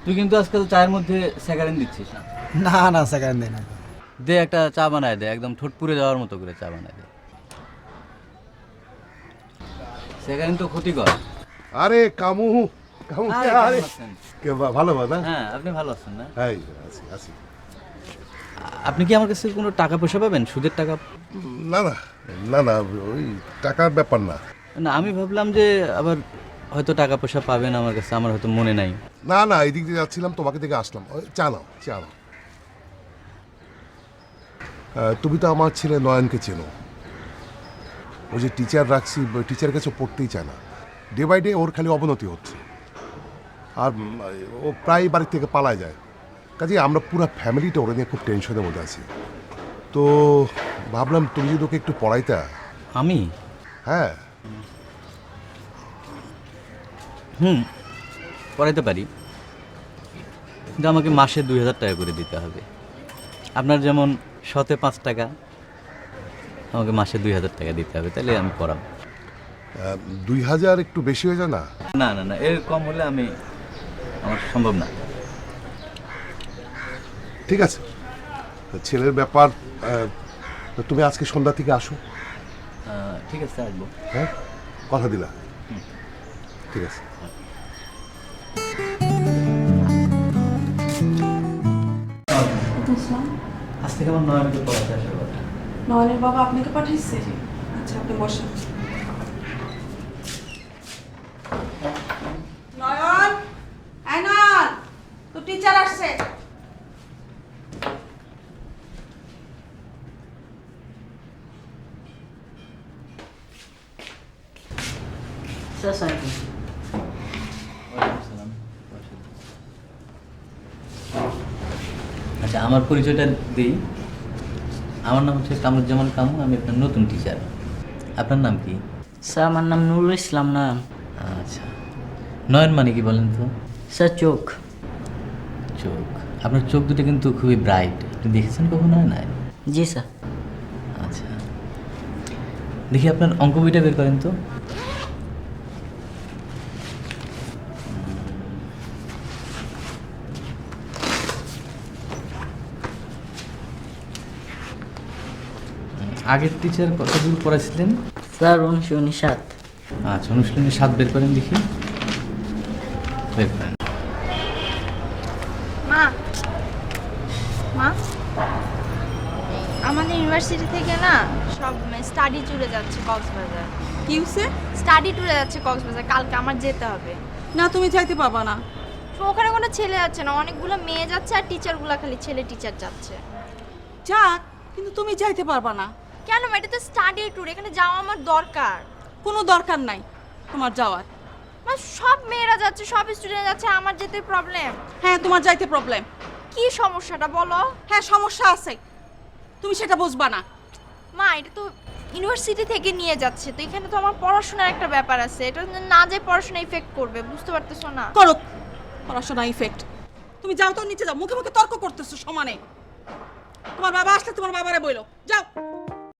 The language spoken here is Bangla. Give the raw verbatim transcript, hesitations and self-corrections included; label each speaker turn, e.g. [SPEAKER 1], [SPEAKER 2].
[SPEAKER 1] তুই কিন্তু আজকাল চায়ের মধ্যে স্যাকারিন দিচ্ছিস না।
[SPEAKER 2] না না সেকেন্ড দিন
[SPEAKER 1] দে একটা চা বানায় দে, একদম ঠোঁট পুড়ে যাওয়ার মতো করে চা বানায় দে। স্যাকারিন তো ক্ষতিকর।
[SPEAKER 3] আরে কামু কামু
[SPEAKER 1] আরে,
[SPEAKER 3] আরে
[SPEAKER 1] কেমন আছেন?
[SPEAKER 3] কে বা- ভালো না?
[SPEAKER 1] হ্যাঁ, আপনি ভালো আছেন না?
[SPEAKER 3] হ্যাঁ আছি আছি
[SPEAKER 1] আপনি কি আমার কাছে কোনো টাকা পয়সা পাবেন, সুদের টাকা?
[SPEAKER 3] না না না না ওই টাকার ব্যাপার না।
[SPEAKER 1] না, আমি ভাবলাম যে আবার হয়তো টাকা পয়সা পাবেন আমার কাছে, আমার হয়তো মনে নাই।
[SPEAKER 3] না না এই দিক দিয়ে যাচ্ছিলাম, তোমাকে দেখে আসলাম। ওই, চা নাও চা নাও। আহ, তুমি তো আমার ছেলে নয়নকে চেনো। ও যে টিচার রাখছি, টিচারের কাছে পড়তেই চায় না। ডে বাই ডে ওর খালি অবনতি হচ্ছে। আর উম, ও প্রায় বাড়ি থেকে পালায় যায়। কাজে আমরা পুরো ফ্যামিলিটা ওরা নিয়ে খুব টেনশনের মধ্যে আছি। তো ভাবলাম তুমি যদি ওকে একটু পড়াইতা।
[SPEAKER 1] আমি?
[SPEAKER 3] হ্যাঁ
[SPEAKER 1] হুম, পড়াইতে পারি, কিন্তু আমাকে মাসে দুই হাজার টাকা করে দিতে হবে। আপনার যেমন শতে পাঁচ টাকা, আমাকে মাসে দুই হাজার টাকা দিতে হবে, তাহলে আমি পড়াবো।
[SPEAKER 3] আহ, দুই হাজার একটু বেশি হয়ে যায় না?
[SPEAKER 1] না না না, এর কম হলে আমি আমার সম্ভব না।
[SPEAKER 3] ঠিক আছে, ছেলের ব্যাপার। আহ, তো তুমি আজকে সন্ধ্যা থেকে আসো।
[SPEAKER 1] আহ, ঠিক আছে, আসবো।
[SPEAKER 3] হ্যাঁ, কথা দিলা? ঠিক আছে।
[SPEAKER 1] আজ থেকে আমার নয়নকে পড়াতে আসার কথা।
[SPEAKER 4] নয়নের বাবা আপনাকে পাঠাইছে? আচ্ছা, আপনি বসেন। নয়ন, এই নয়ন, তো টিচার আসছে।
[SPEAKER 1] আচ্ছা, আমার পরিচয়টা দিই। আমার নাম হচ্ছে কামরুজ্জামান কামু, আমি আপনার নতুন টিচার। আপনার নাম কি?
[SPEAKER 5] স্যার আমার নাম নুরুল ইসলাম নয়ন।
[SPEAKER 1] আচ্ছা, নয়ন মানে কি বলেন তো?
[SPEAKER 5] স্যার চোখ।
[SPEAKER 1] চোখ? আপনার চোখ দুটো কিন্তু খুবই ব্রাইট, আপনি দেখেছেন কখনো? হয় না?
[SPEAKER 5] জি স্যার।
[SPEAKER 1] আচ্ছা, দেখি আপনার অঙ্ক বইটা বের করেন তো। আগের টিচার কত দূর পড়াইছিলেন?
[SPEAKER 5] স্যার উনিশশো উনিশ সাত।
[SPEAKER 1] আচ্ছা, অনুশীলনী সাত বের করেন দেখি। বের করেন।
[SPEAKER 6] মা মা আমাদের ইউনিভার্সিটি থেকে না সব স্টাডি ট্যুরে যাচ্ছে কক্সবাজার।
[SPEAKER 4] কি হইছে?
[SPEAKER 6] স্টাডি ট্যুরে যাচ্ছে কক্সবাজার, কালকে আমার যেতে হবে।
[SPEAKER 4] না, তুমি যাইতে পারবা না।
[SPEAKER 6] তো ওখানে কোনো ছেলে যাচ্ছে না, অনেকগুলো মেয়ে যাচ্ছে আর টিচারগুলো খালি ছেলে টিচার যাচ্ছে।
[SPEAKER 4] যাক, কিন্তু তুমি যাইতে পারবা না।
[SPEAKER 6] কেন মা? এটা তো স্টাডি ট্যুর, এখানে যাওয়া আমার দরকার।
[SPEAKER 4] কোনো দরকার নাই তোমার যাওয়ার।
[SPEAKER 6] মা সব মেয়েরা যাচ্ছে, সব স্টুডেন্ট যাচ্ছে, আমার যেতে প্রবলেম।
[SPEAKER 4] হ্যাঁ, তোমার যাইতে প্রবলেম।
[SPEAKER 6] কি সমস্যাটা বলো?
[SPEAKER 4] হ্যাঁ, সমস্যা আছে, তুমি সেটা বুঝবা না।
[SPEAKER 6] মা এটা তো ইউনিভার্সিটি থেকে নিয়ে যাচ্ছে, তো এখানে তো আমার পড়াশোনার একটা ব্যাপার আছে, এটা না যে পড়াশোনা ইফেক্ট করবে, বুঝতে পারতেছো না?
[SPEAKER 4] করো, পড়াশোনা ইফেক্ট। তুমি যাও তো, নিচে যাও, মুখে মুখে তর্ক করতেছো সমানে। তোমার বাবা আসলে তোমার বাবারে বইলো, যাও।